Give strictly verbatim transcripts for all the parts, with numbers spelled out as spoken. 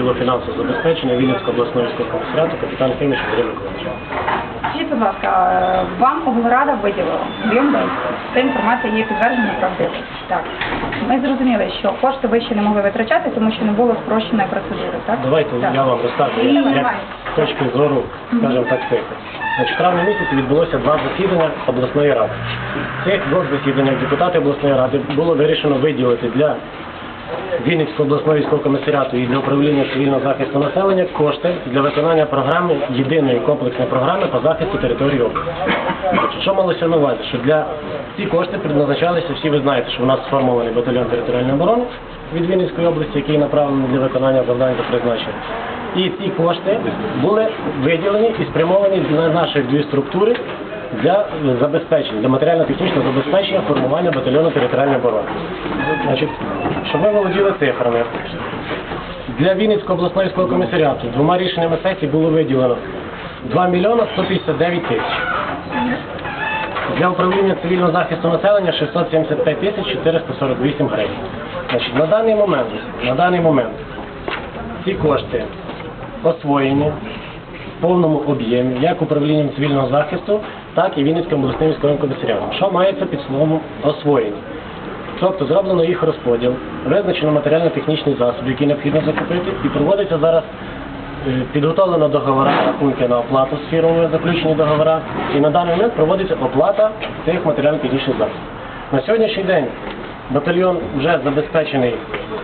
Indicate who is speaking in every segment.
Speaker 1: відділу фінансового забезпечення Вінницького обласного військового комісаріату капітан Химіч Андрій Миколаївич.
Speaker 2: Скажіть, будь ласка, вам облрада виділила об'єм десь. Ця інформація є підтверджена правдивою. Так. Ми зрозуміли, що кошти ви ще не могли витрачати, тому що не було спрощеної процедури, так?
Speaker 1: Давайте
Speaker 2: так.
Speaker 1: я вам розкажу, як з точки зору, скажімо так, цифр. Значить, в травні місяці відбулося два засідання обласної ради. Цих двох засіданнях депутати обласної ради було вирішено виділити для Вінницького обласного військового комісаріату і для управління цивільного захисту населення кошти для виконання програми, єдиної комплексної програми по захисту території області. Значить, що малося на увазі? Що для ці кошти предназначалися, всі ви знаєте, що у нас сформований батальйон територіальної оборони від Вінницької області, який направлений для виконання завдань та призначення. І ці кошти були виділені і спрямовані на наші дві структури для забезпечення, для матеріально-технічного забезпечення формування батальйону територіальної оборони. Значить, щоб ви володіли цифрами, для Вінницького обласного військового комісаріату двома рішеннями сесії було виділено два мільйони сто п'ятдесят дев'ять тисяч. Для управління цивільного захисту населення шістсот сімдесят п'ять тисяч чотириста сорок вісім гривень. Значить, на даний момент, на даний момент ці кошти освоєні в повному об'ємі, як управлінням цивільного захисту, так і Вінницьким обласним військовим комісаріатом. Що мається під словом освоєні? Тобто зроблено їх розподіл, визначено матеріально-технічні засоби, які необхідно закупити, і проводиться зараз підготовлено договори, рахунки на оплату з фірмою, заключені договори, і на даний момент проводиться оплата цих матеріально-технічних засобів. На сьогоднішній день батальйон вже забезпечений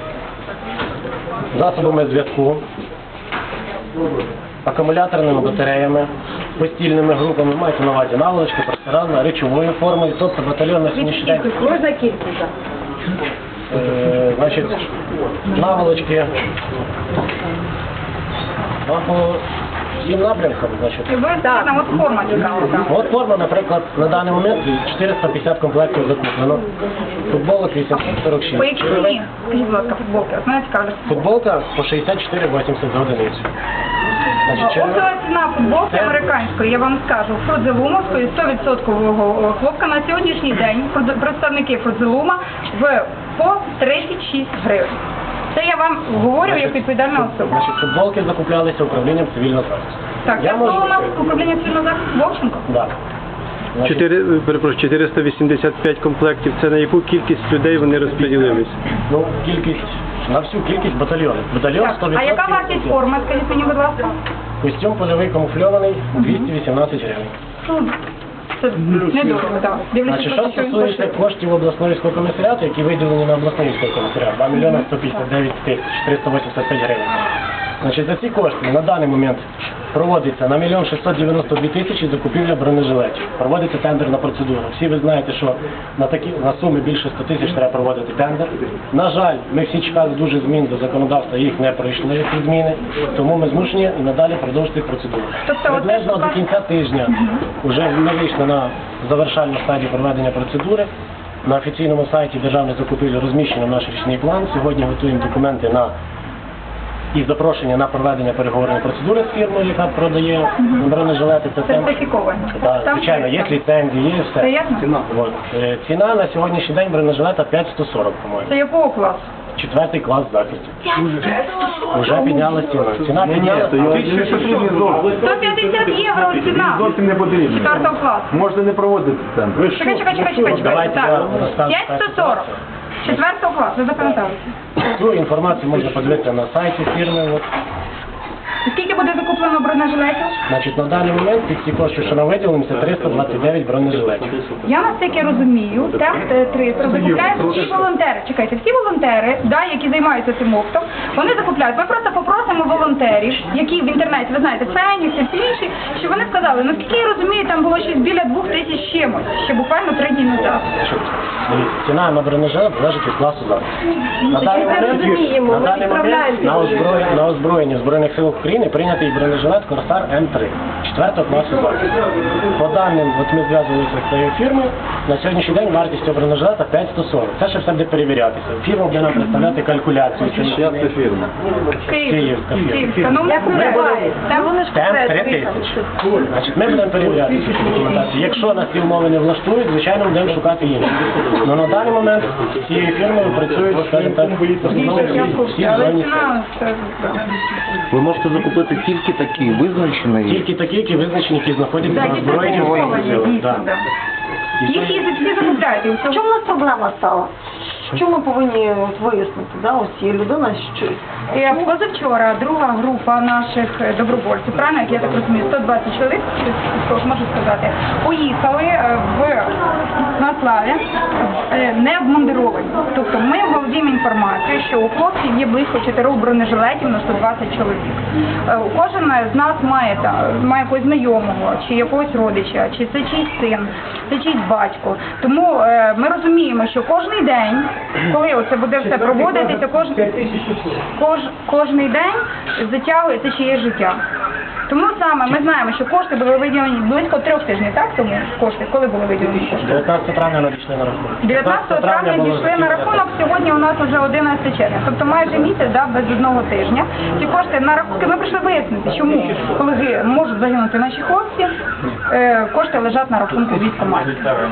Speaker 1: засобами зв'язку, акумуляторними батареями, постільними групами, мається на увазі наволочки, простирадла, речовою формою, тобто батальйон на сьогоднішній день...
Speaker 2: Можна кількість?
Speaker 1: Е, значить, наволочки по всім напрямкам, значить.
Speaker 2: І ви так, от форма цікава.
Speaker 1: От форма, наприклад, на даний момент чотириста п'ятдесят комплектів закуплено. Футболок вісімсот сорок шість.
Speaker 2: По якій ціні? Скажіть, будь ласка, футболки. От мене цікавить.
Speaker 1: Футболка по шістдесят чотири вісімдесят за одиницю. Значить,
Speaker 2: Оптова ціна футболки американської, я вам скажу, фрудзелумовської, сто відсотків хлопка на сьогоднішній день, представники фрудзелума, в по тридцять шість гривень. Це я вам говорю як відповідальна особа.
Speaker 1: Значить, футболки закуплялися управлінням цивільного захисту.
Speaker 2: Так,
Speaker 1: я
Speaker 2: це
Speaker 1: можу...
Speaker 2: було у нас управління цивільного захисту Вовченко?
Speaker 1: Так. Значить...
Speaker 3: Чотири, перепрошую, чотириста вісімдесят п'ять комплектів. Це на яку кількість людей вони розподілились?
Speaker 1: Ну, кількість, на всю кількість батальйонів. Батальйон
Speaker 2: Так,
Speaker 1: сто відсотків.
Speaker 2: а яка вартість форми, скажіть мені, будь ласка?
Speaker 1: Костюм польовий камуфльований двісті вісімнадцять гривень.
Speaker 2: Це недорого, так.
Speaker 1: Значить, що стосується коштів обласного військового комісаріату, які виділені на обласний військовий комісаріат, два мільйони сто п'ятдесят дев'ять тисяч триста вісімдесят п'ять гривень. Значить, за ці кошти на даний момент проводиться на мільйон шістсот дев'яносто дві тисячі закупівля бронежилетів. Проводиться тендерна процедура. Всі ви знаєте, що на такі на суми більше ста тисяч треба проводити тендер. На жаль, ми всі чекали дуже змін до законодавства, їх не пройшли ці зміни, тому ми змушені і надалі продовжити процедуру.
Speaker 2: Тобто,
Speaker 1: приблизно
Speaker 2: от
Speaker 1: до кінця тижня вже ми вийшли на завершальну стадію проведення процедури. На офіційному сайті державної закупівлі розміщено наш річний план. Сьогодні готуємо документи на і запрошення на проведення переговорної процедури з фірмою, яка продає бронежилети. Це
Speaker 2: сертифіковані.
Speaker 1: Так, звичайно, є ліцензії, є все.
Speaker 2: Це ясно?
Speaker 1: Ціна. От. Е, ціна на сьогоднішній день бронежилета п'ять сто сорок, по-моєму.
Speaker 2: Це якого класу?
Speaker 1: Четвертий клас захисту. Вже підняла ціна. Ціна підняла.
Speaker 2: сто п'ятдесят євро ціна.
Speaker 4: Зовсім не потрібно.
Speaker 2: Четвертого класу.
Speaker 4: Можете не проводити тендер.
Speaker 2: Чекай, чекай, чекай, чекай, чекай.
Speaker 1: Давайте я
Speaker 2: Так.
Speaker 1: розкажу.
Speaker 2: п'ять сто сорок. Четвертого класу, ви запам'ятали.
Speaker 1: Цю інформацію можна подивитися на сайті фірми. От.
Speaker 2: Скільки буде закуплено бронежилетів?
Speaker 1: Значить, на даний момент під ці кошти, що нам виділені, це триста двадцять дев'ять бронежилетів.
Speaker 2: Я наскільки розумію, так, триста закупляють всі волонтери. Чекайте, всі волонтери, да, які займаються цим оптом, вони закупляють. Ми просто попросимо волонтерів, які в інтернеті, ви знаєте, Фенікс і всі інші, щоб вони сказали, наскільки я розумію, там було щось біля двох тисяч чимось, ще буквально три дні назад.
Speaker 1: Ціна на бронежилет залежить від класу захисту. На даний момент, на, даний момент на, озброєнні, на озброєнні Збройних сил України прийнятий бронежилет Корсар М три четвертого класу захисту. По даним, от ми зв'язувалися з цією фірмою, на сьогоднішній день вартість цього бронежилета п'ять сто сорок. Це ще все буде перевірятися. Фірма буде нам представляти калькуляцію.
Speaker 4: Чия це фірма?
Speaker 2: Київ.
Speaker 1: Київ. Кафір.
Speaker 2: Встановлено
Speaker 1: Ми будемо-
Speaker 2: Та вони ж
Speaker 1: Темп три тисячі. Значить, ми будемо перевіряти цю документацію. Якщо нас ці умови не влаштують, звичайно, будемо шукати інші. Але на даний момент з цією фірмою працюють, скажімо так, в основному всі, всі
Speaker 2: Але
Speaker 1: збройні сили.
Speaker 2: ціна, це-
Speaker 5: Ви можете закупити тільки такі визначені.
Speaker 1: Тільки такі, які визначені, які знаходяться
Speaker 2: Так,
Speaker 1: на
Speaker 2: які
Speaker 1: збройні
Speaker 2: сертифіковані,
Speaker 1: сили.
Speaker 2: дійсно,
Speaker 1: Так.
Speaker 2: да.
Speaker 1: І
Speaker 2: Їх
Speaker 1: це-
Speaker 2: їздять всі закупляють. і
Speaker 6: В
Speaker 2: все.
Speaker 6: чому у нас проблема стала? Що ми повинні от вияснити? Да? Ось є людина, що
Speaker 2: Е, Позавчора друга група наших е, добровольців, правильно, як я так розумію, сто двадцять чоловік, щось можу сказати, поїхали е, в на славі е, не обмундировані. Тобто ми володіємо інформацією, що у хлопців є близько чотирьох бронежилетів на сто двадцять чоловік. Е, Кожен з нас має, та, має якогось знайомого, чи якогось родича, чи це чийсь син, це чийсь батько. Тому е, ми розуміємо, що кожен день, коли оце буде все проводитися, кожен кож, кожний день затягується чиєсь життя. Тому саме ми знаємо, що кошти були виділені близько трьох тижнів, так? Тому кошти, коли були виділені кошти?
Speaker 1: дев'ятнадцятого травня надійшли на рахунок.
Speaker 2: дев'ятнадцятого травня
Speaker 1: було
Speaker 2: дійшли на
Speaker 1: закінчено.
Speaker 2: рахунок, сьогодні у нас вже одинадцяте червня. Тобто майже місяць, да, без одного тижня. Ці кошти на рахунки, ми прийшли вияснити, чому, коли ви- можуть загинути наші хлопці, е, кошти лежать на рахунку військкоматів.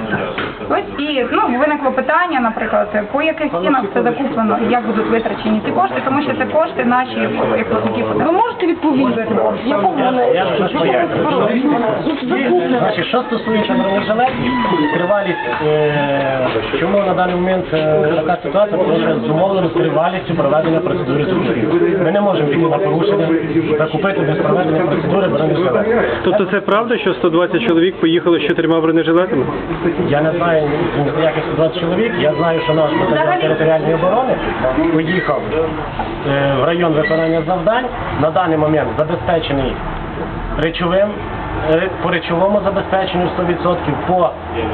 Speaker 2: Ось і ну, виникло питання, наприклад, по яких цінах це закуплено, і як будуть витрачені ці кошти, тому що це кошти наші, як платники
Speaker 6: ви
Speaker 2: податків.
Speaker 6: можете відповісти? В якому
Speaker 1: Я,
Speaker 6: вони
Speaker 1: я вже пояснюю.
Speaker 6: закуплено?
Speaker 1: Значить, що стосується бронежилетів, тривалість, е, чому на даний момент е, така ситуація, тому що зумовлено тривалістю проведення процедури закупівлі. Ми не можемо піти на порушення, закупити без проведення процедури бронежилетів.
Speaker 3: Тобто це правда, що сто двадцять чоловік поїхали з чотирма бронежилетами?
Speaker 1: Я не знаю ніяких сто двадцять чоловік, я знаю, що наш батальйон територіальної оборони поїхав е, в район виконання завдань, на даний момент забезпечений речовим, е, по речовому забезпеченню сто відсотків, по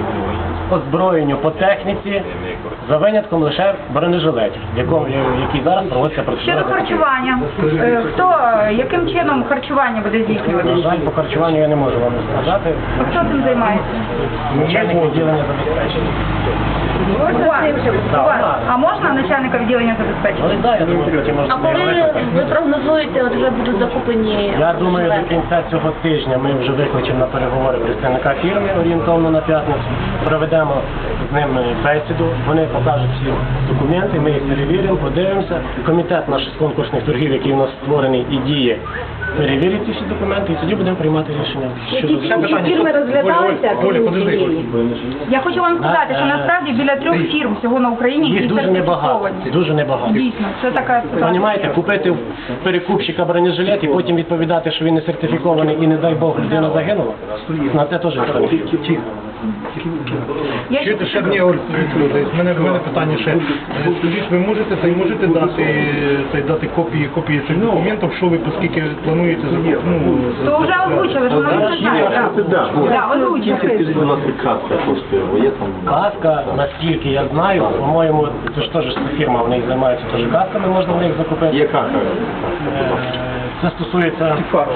Speaker 1: озброєнню, по техніці, за винятком лише бронежилетів, в якому, в якій зараз проводиться процедура
Speaker 2: Щодо
Speaker 1: закупівлі.
Speaker 2: харчування, е, хто, яким чином харчування буде
Speaker 1: На
Speaker 2: здійснюватися?
Speaker 1: жаль, по харчуванню я не можу вам сказати.
Speaker 2: Хто цим займається?
Speaker 1: Начальник відділення забезпечення.
Speaker 2: У вас? У вас? А можна начальника відділення забезпечення?
Speaker 1: Але так, я думаю, потім можна
Speaker 6: А коли
Speaker 1: викликати.
Speaker 6: ви прогнозуєте, от вже будуть закуплені?
Speaker 1: Я думаю, до кінця цього тижня ми вже викличемо на переговори представника фірми орієнтовно на п'ятницю. Проведемо з ними бесіду, вони покажуть всі документи, ми їх перевіримо, подивимося. Комітет наш з конкурсних торгів, який у нас створений і діє, перевірить ці всі документи і тоді будемо приймати рішення. щодо
Speaker 6: фірми розглядалися?
Speaker 2: Я хочу вам сказати, що насправді біля трьох фірм всього на Україні,
Speaker 1: їх
Speaker 2: які
Speaker 1: дуже небагато.
Speaker 2: сертифіковані.
Speaker 1: Дуже небагато.
Speaker 2: Дійсно, це така ситуація.
Speaker 1: Понімаєте, купити в перекупщика бронежилет і потім відповідати, що він не сертифікований і не дай Бог людина загинула, на це теж ніхто не хотів.
Speaker 2: Я ще
Speaker 7: Чуєте, ще одні люди. У мене, в мене питання ще. Е, Скажіть, ви можете це можете дати, це, дати копії, копії цих документів, що ви оскільки плануєте закупити? Ну,
Speaker 2: то вже озвучили, що вони вже знають. так. Так, озвучили.
Speaker 5: Скільки, будь ласка, каска коштує? Бо є там...
Speaker 1: Каска, наскільки я знаю, по-моєму, це ж теж фірма, вони займаються теж касками, можна в них закупити.
Speaker 5: Є каска.
Speaker 1: Е, Це стосується,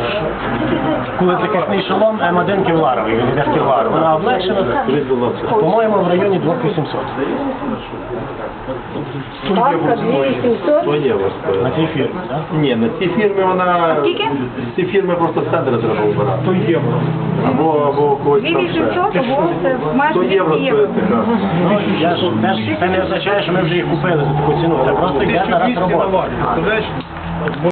Speaker 1: коли захисний шолом М один кевларовий, він йде в кевлар. Вона облегшена,
Speaker 5: Скажіть, будь ласка.
Speaker 1: по-моєму, в районі двох тисяч вісімсот
Speaker 5: Що є у вас? е,
Speaker 1: на цій фірмі. так?
Speaker 5: Ні, на цій фірмі вона...
Speaker 2: Скільки?
Speaker 5: Ці фірми просто з тендера треба вибирати. сто євро. Або, або когось
Speaker 2: Дві
Speaker 5: там ще.
Speaker 2: вісімсот, або це майже
Speaker 5: сто євро
Speaker 2: двісті
Speaker 5: стоїть
Speaker 2: євро.
Speaker 5: така.
Speaker 1: Ну, я ж, теж, це не означає, що ми вже їх купили за таку ціну, це просто йде зараз робота.
Speaker 7: Представляєш?